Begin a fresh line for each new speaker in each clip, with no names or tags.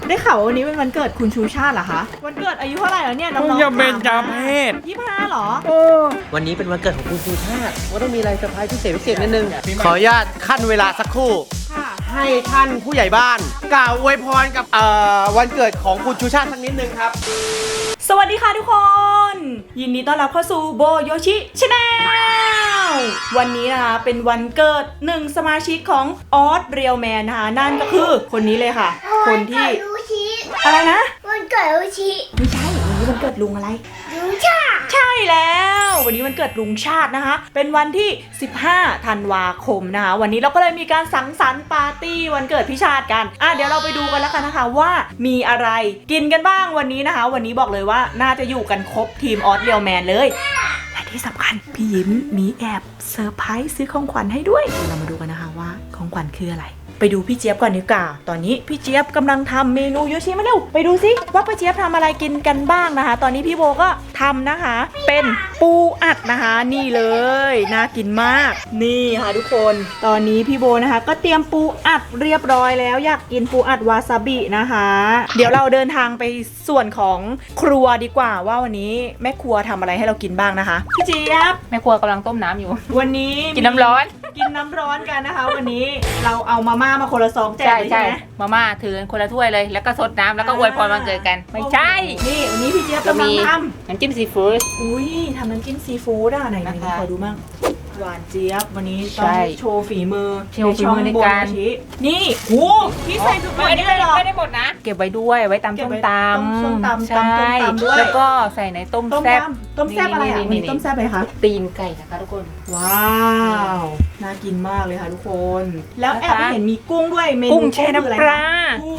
ได้ข่าววันนี้เป็นวันเกิดคุณชูชาติเหรอคะวันเกิดอายุเท่าไหร่แล้วเนี่ยน้องๆ
อย่าเบนจาเพศ
25เหรอ
วันนี้เป็นวันเกิดของคุณชูชาติว่าต้องมีอะไรเซอร์ไพรส์พิเศษนิดนึงขออนุญาตขั้นเวลาสักครู่
ค่ะ
ให้ท่านผู้ใหญ่บ้านกล่าวอวยพรกับวันเกิดของคุณชูชาติสักนิดนึงครับ
สวัสดีค่ะทุกคน ยินดีต้อนรับเข้าสู่โบโยชิชาแนลวันนี้นะคะเป็นวันเกิดหนึ่งสมาชิกของออสเรียลแมนนะคะนั่นก็คือคนนี้เลยค่ะ คนที่อะไรนะ
วันเกิดลูชิ
ไม่ใช่วันนี้วันเกิดลุงอะไร
ลูชา
ใช่แล้ววันนี้วันเกิดลุงชาตินะคะเป็นวันที่15ธันวาคมนะคะวันนี้เราก็เลยมีการสังสรรค์ปาร์ตี้วันเกิดพี่ชาติกันเดี๋ยวเราไปดูกันแล้วกันนะคะว่ามีอะไรกินกันบ้างวันนี้นะคะวันนี้บอกเลยว่าน่าจะอยู่กันครบทีมออสเรียลแมนเลยและที่สำคัญพี่ยิ้มมีแอบเซอร์ไพรส์ซื้อของขวัญให้ด้วยเรามาดูกันนะคะว่าของขวัญคืออะไรไปดูพี่เจี๊ยบก่อนดีกว่าตอนนี้พี่เจี๊ยบกำลังทำเมนูโยชิมาเร็วไปดูสิว่าพี่เจี๊ยบทำอะไรกินกันบ้างนะคะ ตอนนี้พี่โบก็ทำนะคะเป็นปูอัดนะคะนี่เลยน่ากินมากนี่ค่ะทุกคนตอนนี้พี่โบนะคะก็เตรียมปูอัดเรียบร้อยแล้วอยากกินปูอัดวาซาบินะคะเดี๋ยวเราเดินทางไปส่วนของครัวดีกว่าว่าวันนี้แม่ครัวทำอะไรให้เรากินบ้างนะคะพี่เจี๊ยบ
แม่ครัวกำลังต้มน้ำอยู่
วันนี้
กินน้ำร้อน
กินน้ำร้อนกันนะคะ วันนี้เราเอามาม่ามาคนละ2แจกเลยใช่ไหม
มาม่าถือกันคนละถ้วยเลยแล้วก็ซดน้ำแล้วก็อวยพรวันเกิดกันไม่ใช่
นี่วันนี้พี่เจี๊ยบกำลังท
น้ำจิ้มซีฟู้ด
ำอุ้ยทำน้ำจิ้มซีฟู้ดไหน
นะคะ
ขอดูมั่งหวานเจี๊ยบวันนี้ต้
ใช่
องโชว์ฝีมือ
โชว์ฝีมือในการ
ช่องโบโยชินี่โหพี่ใส่ทุกคนได้เหรอ
ไม่ได้หมดนะ เก็บไว้ด้วยไว้ตำ
เก็บ
ส้ม
ไว้
ต
ต้มส้มตำ
ำใช่
ตำด้วย
แล้วก็ใส่ในต้ม
ต้ม
แซ่บ
ยำต้มแซ่บอะไรอ่ะวันนี้ต้มแซ่บอะไรคะ
ตีนไก่นะคะทุกคน
ว้าวน่ากินมากเลยค่ะทุกคน แล้วแอบ
นะคะ
เห็นมีกุ้งด้วยเมนู
กุ้งแช่น้ำ
คืออะไร
ปลา
คะโอ้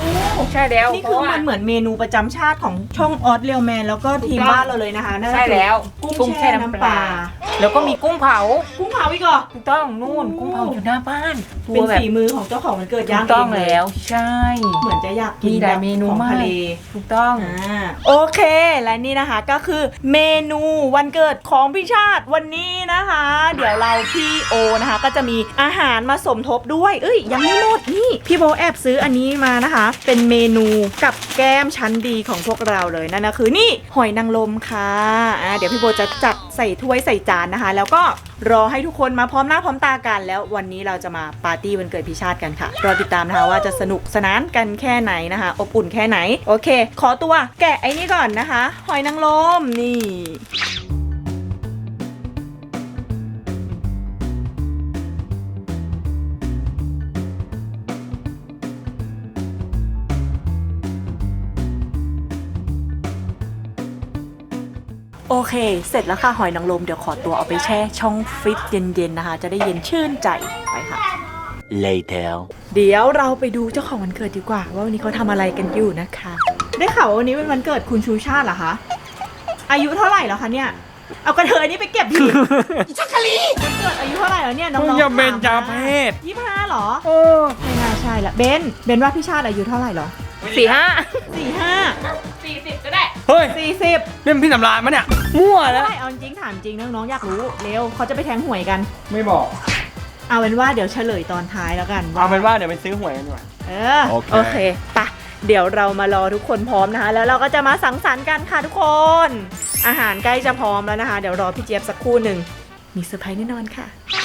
ใช่แล้ว
นี่คือมันเหมือนเมนูประจำชาติของช่องออสเรียลแมนแล้วก็ทีมบ้านเราเลยนะคะนั่นก็
ใช่
คือ
แล้ว
กุ้งแช่น้ำปลา
แล้วก็มีกุ้งเผา
กุ้งเผาอีกเหรอ
ถูกต้องนู่นกุ้งเผาอยู่หน้าบ้าน
เป็น
แบบ
ฝีมือของเจ้าของวันเกิด
ถู
ย่าง
กต้อง
เ
แล้วใช่
เหมือนจะอยากกิน
มีหลายเมนู
ของ
มาก
ทะเล
ถูกต้อง
โอเคและนี่นะคะก็คือเมนูวันเกิดของพี่ชาติวันนี้นะคะ เดี๋ยวเราพี่โอนะคะก็จะมีอาหารมาสมทบด้วยยังไม่หมดนี่พี่โบแอบซื้ออันนี้มานะคะ เป็นเมนูกับแก้มชั้นดีของพวกเราเลยนั่นก็คือนี่หอยนางรมค่ะเดี๋ยวพี่โบจะจัดใส่ถ้วยใส่จานนะคะ แล้วก็รอให้ทุกคนมาพร้อมหน้าพร้อมตากันแล้ววันนี้เราจะมาปาร์ตี้วันเกิดพี่ชาติกันค่ะรอติดตามนะคะว่าจะสนุกสนานกันแค่ไหนนะคะอบอุ่นแค่ไหนโอเคขอตัวแกะไอ้นี่ก่อนนะคะหอยนางรมนี่โอเคเสร็จแล้วค่ะหอยนางรมเดี๋ยวขอตัวเอาไปแช่ช่องฟรีซเย็นๆนะคะจะได้เย็นชื่นใจไปค่ะ
Later
เดี๋ยวเราไปดูเจ้าของวันเกิดดีกว่าว่าวันนี้เขาทำอะไรกันอยู่นะคะ ได้ข่าวว่าวันนี้เป็นวันเกิดคุณชูชาติเหรอคะอายุเท่าไหร่แล้วคะเนี่ยเอากระเทยนี่ไปเก็บผิดชักกะลีวันเกิดอายุเท่าไหร่แล้วเนี่ยน้องๆ
อย่าเบนจาเพศ
25เหรอไม่น่าใช่ละเบนว่าพี่ชาติอายุเท่าไหร่เหรอ
40ก็ได้เฮ้ย
40
นี่มันพี่สำราญมั้ยเนี่ยมั่วแล้ว
ใช่เอาจริงถามจริงน้องๆอยากรู้เร็วเขาจะไปแทงหวยกัน
ไม่บอก
เอาเป็นว่าเดี๋ยวเฉลยตอนท้ายแล้วกัน
เอาเป็นว่าเดี๋ยวไปซื้อหวยกันดีกว่า
โอเคปะเดี๋ยวเรามารอทุกคนพร้อมนะคะ แล้วเราก็จะมาสังสรรค์กันค่ะทุกคน อาหารใกล้จะพร้อมแล้วนะคะ เดี๋ยวรอพี่เจี๊ยบสักครู่หนึ่งมีเซอร์ไพรส์แน่นอนค่ะ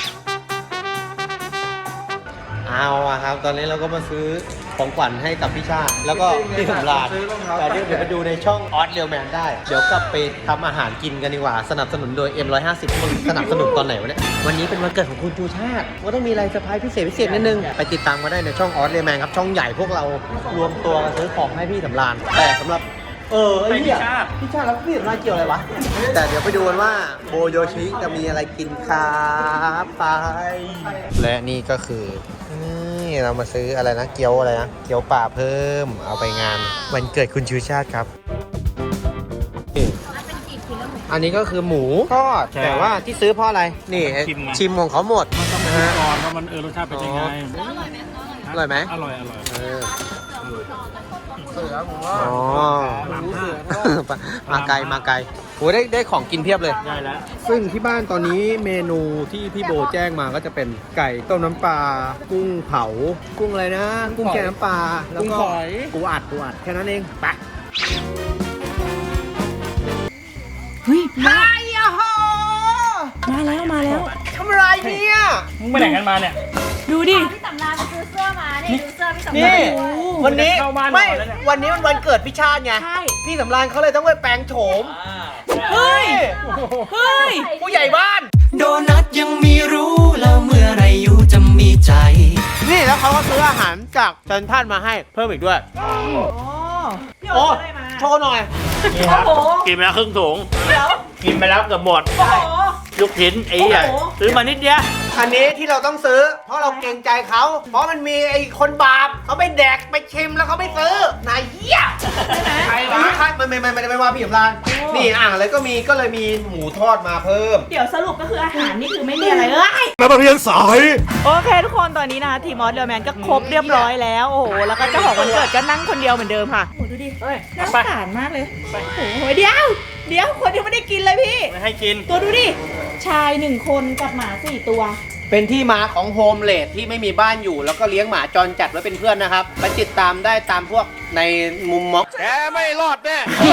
เอาอะครับตอนนี้เราก็มาซื้อของขวัญให้กับพี่ชาติแล้วก็พี่สำราญแต่เดี๋ยวไปดูในช่องออสเรียลแมนได้เดี๋ยวกลับไปทำอาหารกินกันดีกว่าสนับสนุนโดย M150 มึงสนับสนุนตอนไหนวะเนี่ยวันนี้เป็นวันเกิดของคุณชูชาติว่าต้องมีอะไรเซอร์ไพรส์พิเศษนิดนึงไปติดตามกันได้ในช่องออสเรียลแมนครับช่องใหญ่พวกเรารวมตัวกันซื้อของให้พี่สำราญแต่สำหรับไอ้เนี่ยพี่ชาติแล้วพี่สำราญเกี่ยวอะไรวะแต่เดี๋ยวไปดูกันว่าโบโยชิจะมีอะไรกินครับไปและนี่ก็คือนี่เรามาซื้ออะไรนะเกี๊ยวอะไรนะเกี๊ยวป่าเพิ่มเอาไปงานวันเกิดคุณชูชาติครับอันนี้ก็คือหมูทอดแต่ว่าที่ซื้อเพราะอะไรนี่ชิมของเขาหมด
มันต้องมาชิมก่อนว่ามันรสชาติเป็นยังไง
อร่อยไหม
อร่อย
อ๋อมาไกลโหหได้ของกินเพียบเลย
ได้แล้ว
ซึ่งที่บ้านตอนนี้เมนูที่พี่โบแจ้งมาก็จะเป็นไก่ต้มน้ำปลากุ้งเผากุ้งอะไรนะ กุ้งแกงน้ำปลาแล้วก็ปูอัดแค่นั้นเองไป
เฮ้ยมามาแล้ว
ทำอะไรเนี่ย
มึงไปไหนกันมาเนี่ย
ดูดิ
พี่สำราญซื้อเสื้อมานี่ดูเสื้อพี่สำราญ
นี่
โอ้
วันนี้
เข้าบ้าน
ไม่
ก่อนแล้วเนี่ย
วันนี้มันวันเกิดพี่ชาติไง
ใช่
พี่สำรานเขาเลยต้องไปแปลงโฉม
เฮ้ย เฮ้ย
ผู้ใหญ่บ้าน
โดนัทยังมีรู้แล้วเมื่อไรอยู่จะมีใจ
นี่แล้วเขาก็ซื้ออาหารจากเซนทรัลมาให้เพิ่มอีกด้วย
อ๋อพี่
โอ้
โอ๊ตได้มา
โชว์หน่อย
นี่ครับ
โอ้โห
กินไปแล้วครึ่งถุง
เดี๋ยว
กินไปแล้วเกือบหมด
โอ้โห
ลูกชิ้นไอ้ใหญ่
โอ้โห
ซื้อมานิดเดียว
อันนี้ที่เราต้องซื้อ เพราะเราเกรงใจเขา เพราะมันมีไอ้คนบาปเขาไปแดกไปชิมแล้วเขาไม่ซื้อนายเหี้ย
ใช่ไหม
ใครวะใครไม่ว่าพี่สำราน
โอ้
นี่อ่างอะไรก็มีก็เลยมีหมูทอดมาเพิ่ม
เดี๋ยวสรุปก็คืออาหารนี่คือไม่มีอะไรเลย
นักเรียนสาย
โอเคทุกคนตอนนี้นะคะทีมอสเดอร์แมนก็ครบเรียบร้อยแล้วโอ้โหแล้วก็เจ้าของวันเกิดก็นั่งคนเดียวเหมือนเดิมค่ะโอ้โหดูดิน่าสงสารมากเลยโอ้โหเดี๋ยวคนยังไม่ได้กินเลยพี่
ไม่ให้กิน
ตัวดูดิชาย1คนกับหมา4ตัว
เป็นที่มาของโฮมเลดที่ไม่มีบ้านอยู่ แล้วก็เลี้ยงหมาจรจัดไว้เป็นเพื่อนนะครับไปติดตามได้ตามพวกในมุมม็อกแกไม่รอดแน่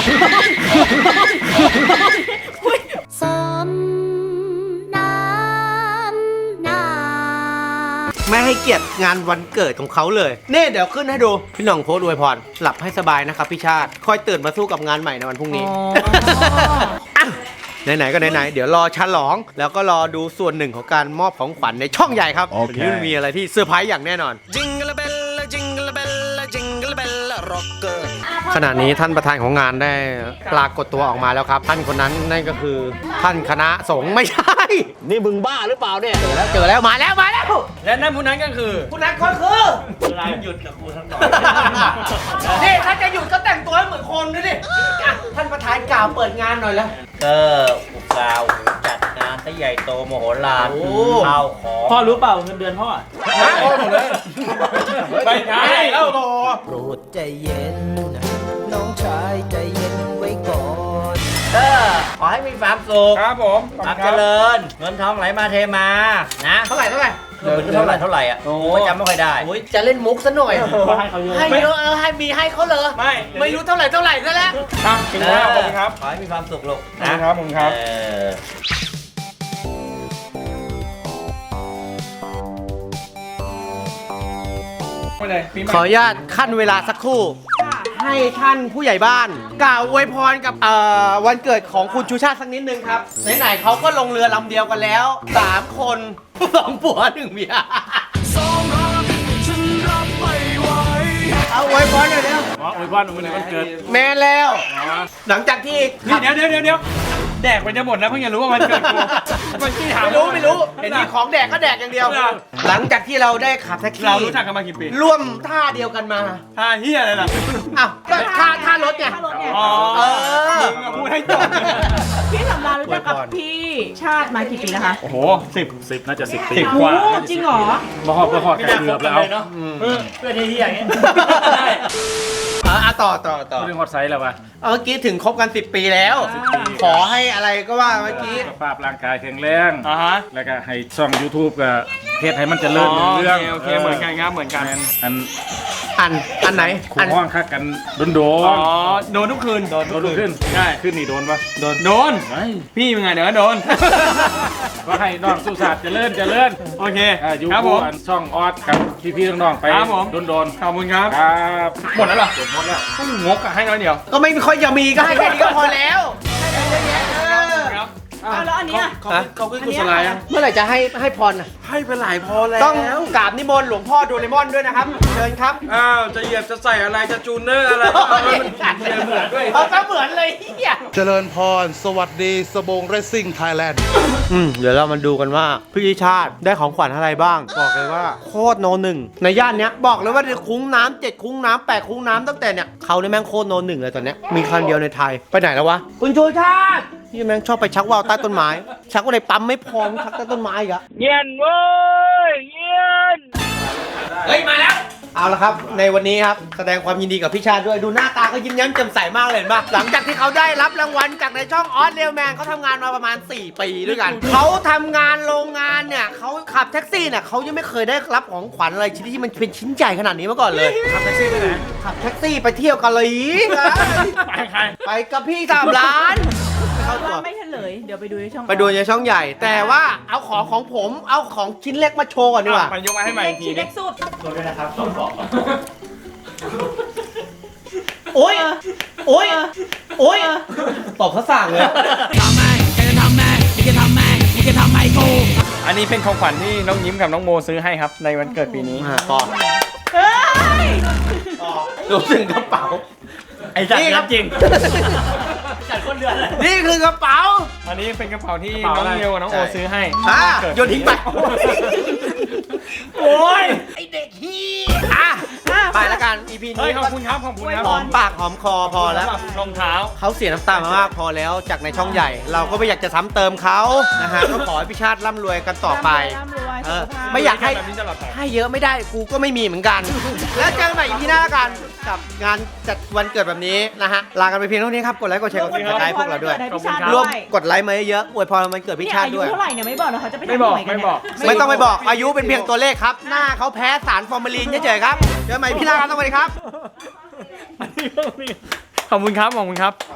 สมน้ำหน้า
ไม่ให้เกียรติงานวันเกิดของเขาเลยนี่เดี๋ยวขึ้นให้ดูพี่หน่องโพสต์อวยพรหลับให้สบายนะครับพี่ชาติคอยตื่นมาสู้กับงานใหม่ในวันพรุ่งนี้ อ่ะไหนๆก็ไหนๆเดี๋ยวรอฉลองแล้วก็รอดูส่วนหนึ่งของการมอบของขวัญในช่องใหญ่ครับวันนี้มันมีอะไรที่เซอร์ไพรส์อย่างแน่นอน
Jingle bell jingle bell jingle bell rocker
ขณะนี้ท่านประธานของงานได้ปรากฏตัวออกมาแล้วครับ ท่านคนนั้นนั่นก็คือท่านคณะสงฆ์ไม่ใช่
นี่มึงบ้าหรือเปล่าเนี่ย
เจอแล้วมาแล้ว
และนั่นผู้นั้นก็คือ
คุณนัทคนคือ
เวลาหยุดกับกูสักหน่อย
นี่ถ้าจะหยุดก็แต่งตัวให้เหมือนคนด้วยดิอ่ะท่านประธานกล่าวเปิดงานหน่อยแล้ว
ก็อุตส่าห์จัดงานที่ใหญ่โตมโหฬาร
โอ้
ข้าวของ
พ่อรู้เปล่าเงินเดือนพ่ออะ
นะโอ้หมดเลย
ไม่ใช่แล้ว
โปรดใจเย็น น้องชายใจเย็นไว้ก่อน
ก็ขอให้มีความสุข
ครับผม
ความเจริญ เงินทองไหลมาเทมา นะ
เท่าไหร่
เท่าไหร่อ่ะผมก็จำไม่ค่อยได้
โอ้ยจะเล่นมุกซะหน่อย
ให้เขาเยอะ
ให้เยอะให้มีให้เขาเลย
ไม่
ไม่รู้เท่าไหร่ซะแล้ว
ครับถึงแล้วขอบคุณครับ
ขอให้มีความสุขลูก
ขอบ
นะ
คุณครับผมครับ
เออ
ไม่เลยปีใหม่
ขออนุญาตขั้นเวลาสักครู่ ให้ท่านผู้ใหญ่บ้านกล่าวอวยพรกับวันเกิดของคุณชูชาติสักนิดนึงครับ ไหนๆเขาก็ลงเรือลำเดียวกันแล้ว 3 คน 2 ผัว 1 เมียเอาอวยพรหน่อยเร็ว
อ๋ออวยพรมึงในวันเกิด
แมนแล้ว
อ๋อ
หลังจากที่
นี่เดี๋ยวแดกไปจะหมดแล้วเพิ่งจะรู้ว่าวันเกิดกูมันที่ถาม
ไม่รู้เห็นมีของแดกก็แดกอย่างเดียว หลังจากที่เราได้ขับแท็กซี่
เรารู้จักกันมากี่ปี
ร่วมท่าเดียวกันมา
ท่าเฮียอะไรล่ะ
อ้าวก็ท่ารถไง
ท่ารถไง
อ๋อ
เออ
มึงอะพูดให้จบ
พี่สำราญรู้จักกับพี่ชาติมากี่ปีแล้วคะ
โอ้โห10น่าจะ10 ปี
โอ้
กว่า
จริงเหรอ
มาหอบไก่เกือบแล้ว
เนาะเพื่อนที่อย่างเงี้ย
ต่อ
เรื่องฮอตไซส์แล้ววะ
เมื่อกี้ถึงคบกัน 10 ปีแล้ว ขอให้อะไรก็ว่าเมื่อกี้
สุขภาพร่างกายแข็งแรง
อ่าฮะ
แล้วก็ให้ช่อง YouTube กับเพจให้มันเจริญรุ่งเรื่อง
โอเคเหมือนกันครับเหมือนกัน
อันไหน
ขู่ห้องคักกันโดน
โดนทุกคืน
โดนขึ้นใช่ขึ้นนี่โดนปะ
โดน
ไม่
พี่เป็นไงเดี๋ยวก็โดน
ก็ให้น้องสุสาเจริญ
โอเค
อยู่
ครับผ
คู่
ม
อันช่องออสกับพี่ๆน้องๆไป
ครับผม
โดน
ขอบคุณครับ
ครับ
หมดแล้วเหรอ
หมดแล้ว
ต้องงกอะให้น้อยเดียว
ก็ไม่ค่อยจะมีก็ให้แค่นี้ก็พอแล้ว
ครับ
อ้าวแล้วอันเนี้ย
เขาขึ้นกุศลายอ่ะ
เมื่อไหร่จะให้พรน่ะ
ให้ไปหลายพอแล้ว
ต้องกราบนิมนต์หลวงพ่อโดเรมอนด้วยนะครับ เชิญครับ
อ้าวจะเหยียบจะใส่อะไรจะจูนเนอร์อะไร
เอาซะเหมือนเลยเฮีย
เจริญพร สวัสดีสบงเรซซิ่งไทยแลนด์
เดี๋ยวเรามาดูกันว่าพี่ชาติได้ของขวัญอะไรบ้าง บอกเลยว่าโคตรโนหนึ่งในย่านเนี้ยบอกเลยว่าคุ้งน้ำ7คุ้งน้ำ8คุ้งน้ำตั้งแต่เนี่ยเขาเนี่ยแม่งโคตรโนหนึ่งเลยตอนเนี้ยมีคันเดียวในไทยไปไหนแล้ววะคุณชูชาติพี่แม่งชอบไปชักว่าวใต้ต้นไม้ ชักว่าในปั๊มไม่พอชักใต้ต้นไม้อีกอะ
เย็นเว้ยเย็น
เฮ้ยมาแล้วเอาละครับในวันนี้ครับแสดงความยินดีกับพี่ชาติด้วยดูหน้าตาเขายิ้มแย้มแจ่มใสมากเลยเห็นปะหลังจากที่เขาได้รับรางวัลจากในช่องออสเรียลแมนเขาทำงานมาประมาณ4 ปีด้วยกันเขาทำงานโรงงานเนี่ยเขาขับแท็กซี่เนี่ยเขายังไม่เคยได้รับของขวัญอะไรชิ้นที่มันเป็นชิ้นใหญ่ขนาดนี้มาก่อนเลย
ขับแท็กซี่ไปไหน
ขับแท็กซี่ไปเที่ยวกันเลย
ไปใคร
ไปกับพี่3 ล้านเข้าตัว
ว่าไม่เฉลย เดี๋ยวไปดูในช่อง
ไปดูในช่องใหญ่ แต่ว่าเอาของผมเอาของชิ้นเล็กมาโชว์ก่อนดีกว่า
ไปยกมาให้ใหม่
เล็
อี
ก
กที
ชิ้นเล็กสุด
โอ๊ยโอ๊ยโอ๊ยตบเขาสั่งเลย
อันนี้เป็นของขวัญที่น้องยิ้มกับน้องโมซื้อให้ครับในวันเกิดปีนี้
ปอ
เฮ้ย
ดูถึงกระเป๋า
ไอ้จัด
นี่ครับ
จริง
นี่คือกระเป๋า
อันนี้เป็นกระเป๋าที่
กระเป๋า
น้อง
อะไร
เมลกับน้องโอซื้อให้
โยนทิ้งไป
โอ้ย
ไอเด็กฮีไปแล้วกัน EP
เฮ้ย
นี้
ขอบคุณครับขอบคุณครับ
หอมปากหอมคอพอแล้ว
รองเท้า
เขาเสียน้ำตามามากพอแล้วจากในช่องใหญ่ เราก็ไม่อยากจะซ้ำเติมเขานะฮะก็ขอให้พี่ชาติร่ำรวยกันต่อไป
ร่ำรวย
เออ
สุขภาพ
ไม่อยากให้
แบบนี้ตลอดไป
ให้เยอะไม่ได้กูก็ไม่มีเหมือนกัน แล้วเจอกันใหม่ EP หน้าแล้วกันกับงานจัดวันเกิดแบบนี้นะฮะลากันไปเพียงเท่านี้ครับกดไลค์กดแชร์กดติดตามพวกเราด้วย
ขอบคุณค
ร่วม
บ
กดไลค์มาเยอะๆอวยพรวันเกิดพี่ชาติด้วย
เนี่ยอายุเท่าไหร่เนี่ยไม่บอกเหรอเขาจะไป
ไม่
ทำ
บอก
หวยกัน
ไม่
เนี่ย
บอก
ไม่ต้องไปบอกอายุเป็นเพียงตัวเลขครับ หน้าเขาแพ้สารฟอร์มาลีนเฉยๆครับเจอกันใหม่พี่หน้าครับสวัสดีครับ
ขอบคุณครับขอบคุณครับ